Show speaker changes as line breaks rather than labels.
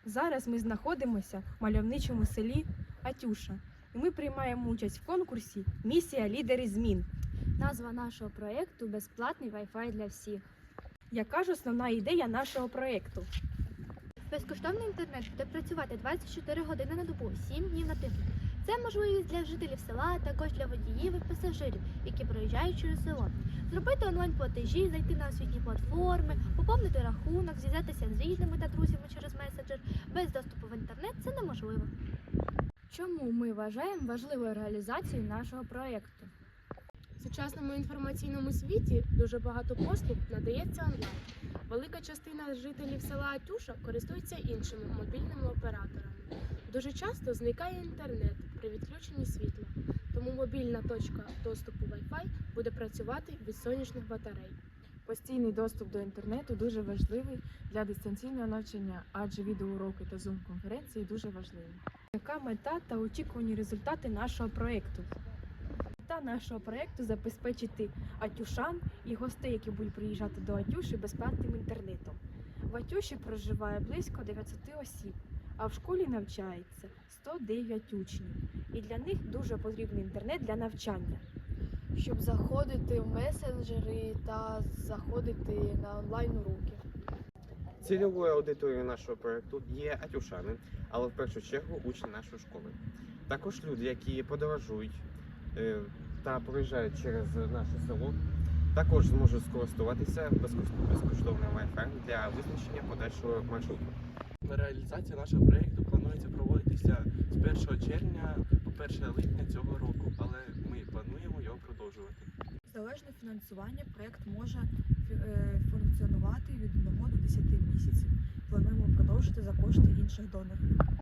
Зараз ми знаходимося в мальовничому селі Атюша, і ми приймаємо участь в конкурсі «Місія лідери змін».
Назва нашого проєкту «Безплатний Wi-Fi для всіх».
Яка ж основна ідея нашого проєкту?
Безкоштовний інтернет буде працювати 24 години на добу, 7 днів на тиждень. Це можливість для жителів села, а також для водіїв і пасажирів, які проїжджають через село. Зробити онлайн-платежі, зайти на освітні платформи, поповнити рахунок, зв'язатися з рідними та друзями через месенджер. Без доступу в інтернет це неможливо. Чому ми вважаємо важливою реалізацію нашого проєкту?
В сучасному інформаційному світі дуже багато послуг надається онлайн. Велика частина жителів села Атюша користується іншими мобільними операторами. Дуже часто зникає інтернет при відключенні світла, тому мобільна точка доступу Wi-Fi буде працювати від сонячних батарей.
Постійний доступ до інтернету дуже важливий для дистанційного навчання, адже відеоуроки та зум-конференції дуже важливі.
Яка мета та очікувані результати нашого проєкту? Мета нашого проєкту – забезпечити атюшан і гостей, які будуть приїжджати до Атюші, безплатним інтернетом. В Атюші проживає близько 900 осіб, а в школі навчається 109 учнів. І для них дуже потрібний інтернет для навчання.
Щоб заходити в месенджери та заходити на онлайн-уроки.
Цільовою аудиторією нашого проєкту є атюшани, але в першу чергу учні нашої школи. Також люди, які подорожують та проїжджають через наше село, також зможуть скористуватися безкоштовним Wi-Fi для визначення подальшого маршруту.
Реалізація нашого проєкту планується проводитися з 1 червня по 1 липня цього року, але ми плануємо його продовжувати.
Залежне фінансування проєкт може функціонувати від 1 до 10 місяців. Плануємо продовжити за кошти інших донорів.